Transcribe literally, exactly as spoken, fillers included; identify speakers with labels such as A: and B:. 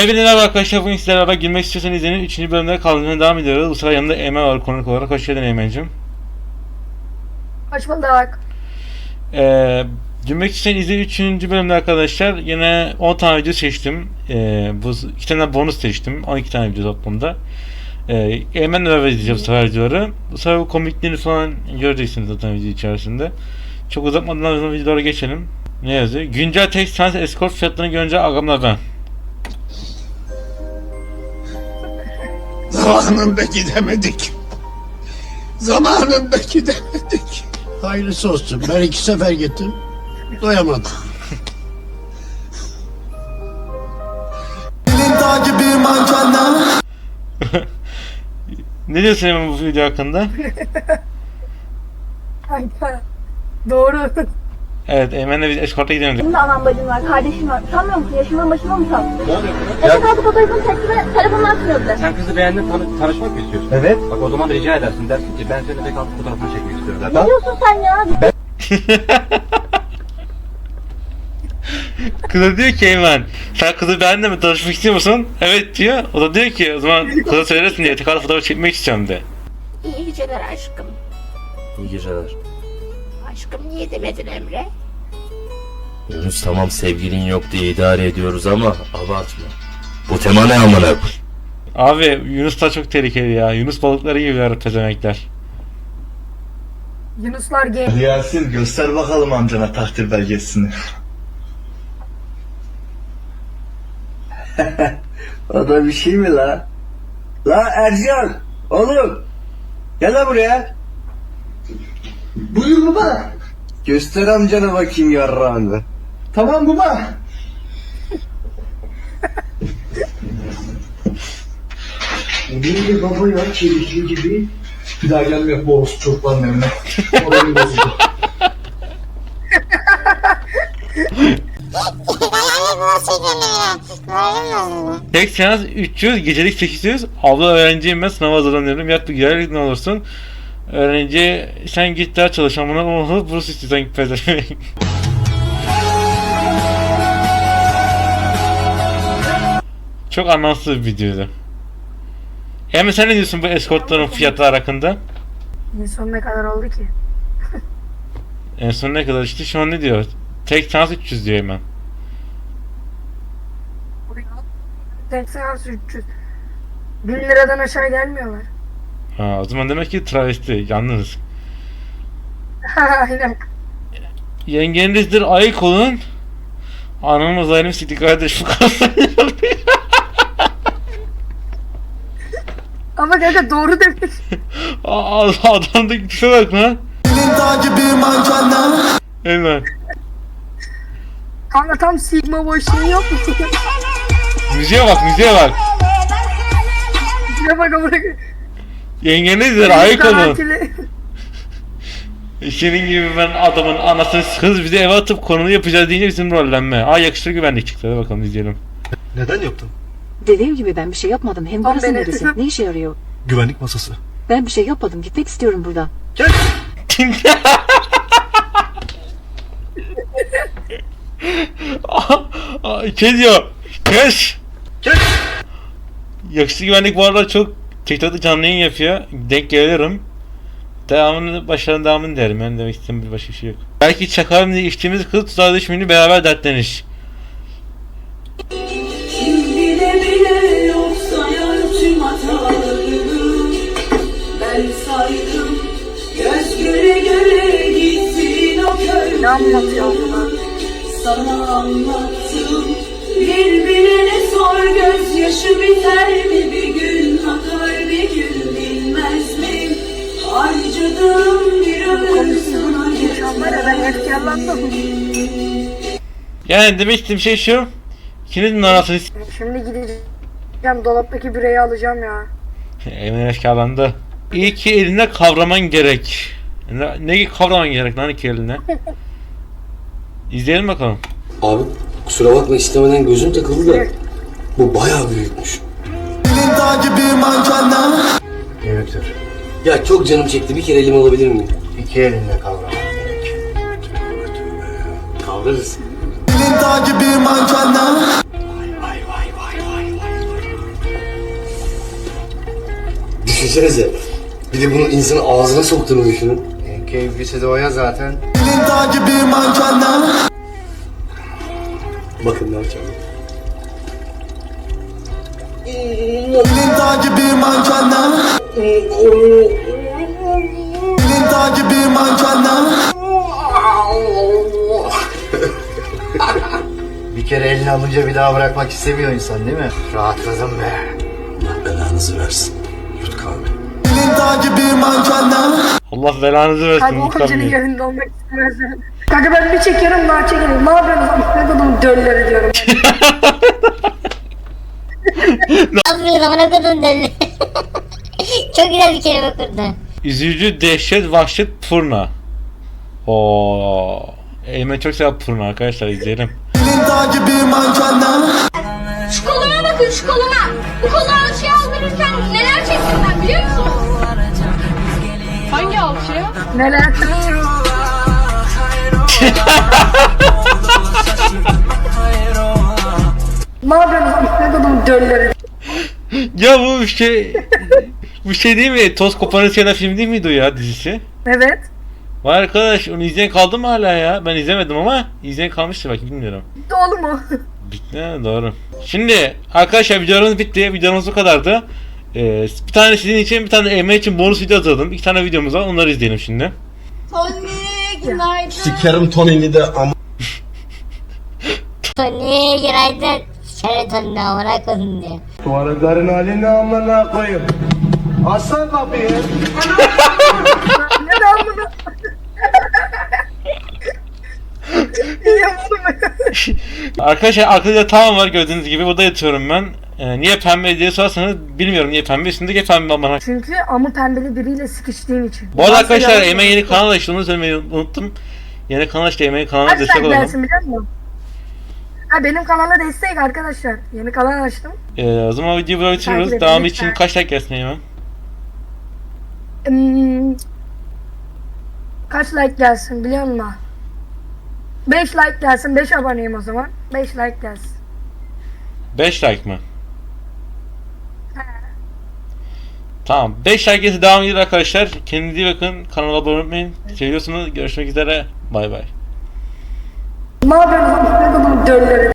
A: Hepinize merhaba arkadaşlar, bugün sizlerle beraber girmek istiyorsanız izleyin. üçüncü bölümde kaldığımızda devam ediyoruz. Bu sıra yanımda Eymen var konuk olarak. Hoş geldin Eymen'cim.
B: Hoş bulduk.
A: Ee, girmek isteyen izleyin üçüncü bölümde arkadaşlar. Yine on tane video seçtim. Ee, bu iki tane bonus seçtim. on iki tane video toplamda. Ee, Eymen'le beraber izleyeceğim bu sefer videoları. Bu sefer bu komikliğini falan göreceksiniz zaten video içerisinde. Çok uzatmadan o zaman videolara geçelim. Ne yazıyor? Güncel tek sans escort fiyatlarını görünce agamla ben.
C: Zamanında gidemedik. Zamanında gidemedik.
D: Hayırlısı olsun. Ben iki sefer gittim. Doyamadım.
A: Ne diyorsun Eymen bu video hakkında?
B: Kanka. Doğru.
A: Evet, Eymen'le biz eskorta gidelim.
E: Benim de anam bacım var, kardeşim var. Utanmıyor musun? Yaşımdan başıma mı utandın? Ne oluyor burada? Eski kaldı fotoğrafını çekti ve telefonunu açmıyor bile.
F: Sen kızı beğendin, tanı tanışmak mı istiyorsun? Evet. Bak o zaman rica edersin, dersin ki ben seninle tek altı fotoğrafını çekmek istiyorum zaten.
E: Ne diyorsun sen ya?
A: Kıza diyor ki Eymen, sen kızı beğendin mi, tanışmak istiyor musun? Evet diyor. O da diyor ki o zaman kıza söylersin diye tekrar fotoğraf çekmek istiyorum de.
G: İyi geceler aşkım.
F: İyi geceler.
G: Aşkım niye demedin Emre?
H: Yunus tamam sevgilin yok diye idare ediyoruz ama abartma. Bu tema ne amına?
A: Abi Yunus da çok tehlikeli ya. Yunus balıkları yiyorlar pezemekler.
B: Yunuslar gay.
I: Yasin göster bakalım amcana takdir belgesini.
J: O da bir şey mi la? La Ercan! Oğlum! Gel la buraya!
I: Buyur baba.
J: Göster amcana bakayım yarrağını.
I: Tamam baba.
J: Benim de baba ya çelikli gibi.
I: Bir daha gelmiyor bu orospu çocukların evine. Moralim bozuldu.
A: Tek seans üç yüz, gecelik sekiz yüz. Abla öğrenciyim ben, sınava hazırlanıyorum. Yat bir giderlik ne olursun. Öğrenci sen git daha çalış amına onu burs istiyorsan git pezemek. Çok anlamsız bir videoydu. Hemen sen ne diyorsun bu eskortların fiyatları hakkında?
B: En son ne kadar oldu ki?
A: En son ne kadar işte şu an ne diyor? Tek seans üç yüz diyor hemen.
B: Tek seans üç yüz. bin liradan aşağı gelmiyorlar.
A: Ha, o zaman demek ki travesti, yalnız.
B: Aynen.
A: Yengenizdir, ayık olun. Anamız ayrım sikti kardeş bu kadar.
B: Ama kanka doğru demiş.
A: Adamdaki tipe bak lan. Hemen.
B: Kanka tam Sigma boy şey yok mu?
A: Müziğe bak, müziğe bak.
B: Şuna bak ama.
A: Yengenizdir, ayık olun. Senin gibi ben adamın anasını kız bizi eve atıp konunu yapacağız deyince bizim rollenme. Aa yakışır güvenlik çıktı, hadi bakalım izleyelim.
I: Neden yaptın?
K: Dediğim gibi ben bir şey yapmadım. Hem burası neresi? Ne işe yarıyor?
I: Güvenlik masası.
K: Ben bir şey yapmadım. Gitmek istiyorum buradan.
I: Gel.
A: Şey diyor, kes.
I: Gel.
A: Yakışıklı güvenlik bu arada çok TikTok'ta canlı yayın yapıyor. Denk gelirim. Devamını, başlarının devamını derim. Yani demek istediğim bir başka bir şey yok. Belki çakalım diye içtiğimiz kız tuzağa düşmeyeni beraber dertleniş.
G: Bile bile yok sayar tüm hatalarını. Ben saydım göz göre göre gittin o kör.
B: Ne anlatıyor bunlar?
G: Sana anlattım bir bilene sor gözyaşı biter mi bir gün akar bir gün bilmez mi? Harcadığım bir ömür sana
B: İnsanlara ben efkarlandım.
A: Yani demek istediğim şey şu. İkinizin arasını s***.
B: Şimdi gideceğim dolaptaki bireyi alacağım ya.
A: Eymen efkarlandı. İyi ki eline kavraman gerek. Ne, ne kavraman gerek lan iki eline? İzleyelim bakalım.
H: Abi kusura bakma istemeden gözüm takıldı da bu bayağı büyükmüş.
D: Büyüktür.
H: Ya çok canım çekti bir kere elimi alabilir miyim?
D: İki elinle kavraman gerek.
H: Kavrarız.
D: Elin takip bir mankenler.
H: Vay vay vay vay vay.
J: düşünsenize. Bir de bunun insanın ağzına soktuğunu düşünün. En keyiflisi de o ya zaten. Bakın ne yapacağım. Bir kere elini alınca bir daha bırakmak istemiyor insan değil mi? Rahatladım be. Allah belanızı versin. Yut kahve.
A: Allah belanızı versin.
B: Kanka o
A: muhtemelen.
B: hocanın yerinde olmak istemezdim. Kanka ben bir çekiyorum daha çekelim. Ne yapıyorsunuz? Ne kadar dölleri diyorum.
E: Ne yapıyorsun amına kodum deli? Çok güzel bir kelime kurdun.
A: Üzücü, dehşet, vahşet, fırna. Oo. Eymen çok sever fırna arkadaşlar, izleyelim.
E: Şu koluma bakın şu koluma. Bu koluma şey aldırırken neler çektim ben biliyor musun? Hangi alçıya?
B: Neler? Ne yapıyorsunuz? Ne kadar dölleri.
A: Ya bu bir şey... bu şey değil mi? Toz Koparan Siyana film değil miydi o ya, dizisi?
B: Evet.
A: Vay arkadaş, onu izleyen kaldı mı hala ya? Ben izlemedim ama izleyen kalmıştır belki, bilmiyorum.
B: Bitti oğlum o.
A: Bitti ha, doğru. Şimdi arkadaşlar videomuz bitti. Videomuz bu kadardı. Ee, bir tane sizin için, bir tane Eymen için bonus video hazırladım. İki tane videomuz var, onları izleyelim şimdi.
E: Tony günaydın.
C: Sikerim Tony'ni de ama.
E: Tony günaydın. Şöyle Tony amına kodum diyor.
J: Tuvaletlerin halini amına koyayım. Aslan kapıyı.
B: Ne lan bunu?
A: Arkadaşlar arkada tamam var, gördüğünüz gibi burada yatıyorum ben. Ee, niye pembe diye sorarsanız bilmiyorum niye pembe, üstündeki pembe bana.
B: Çünkü amı pembeli biriyle sıkıştığım için.
A: Bu arada
B: Nasıl
A: arkadaşlar
B: yalan
A: Eymen
B: söylüyorsun?
A: yeni kanal açtı, onu söylemeyi unuttum. Yeni kanal açtı, Eymen'in kanalına
B: Kaç
A: destek
B: like
A: olalım.
B: gelsin biliyor musun? Ha benim kanala destek arkadaşlar. Yeni kanal açtım.
A: Ee, o zaman videoyu burada bitiriyoruz.
B: Takip edin
A: Devamı
B: lütfen.
A: için kaç like gelsin Eymen?
B: Hmm, kaç like gelsin biliyor musun? beş like gelsin. beş aboneyim o zaman. beş like gelsin.
A: beş like mı? Tamam. beş like gelirse devam ediyor arkadaşlar. Kendinize iyi bakın. Kanala abone olmayı seviyorsunuz. Görüşmek üzere. Bay bay.
B: Ne yapıyorsunuz? Ne kadar dölleri.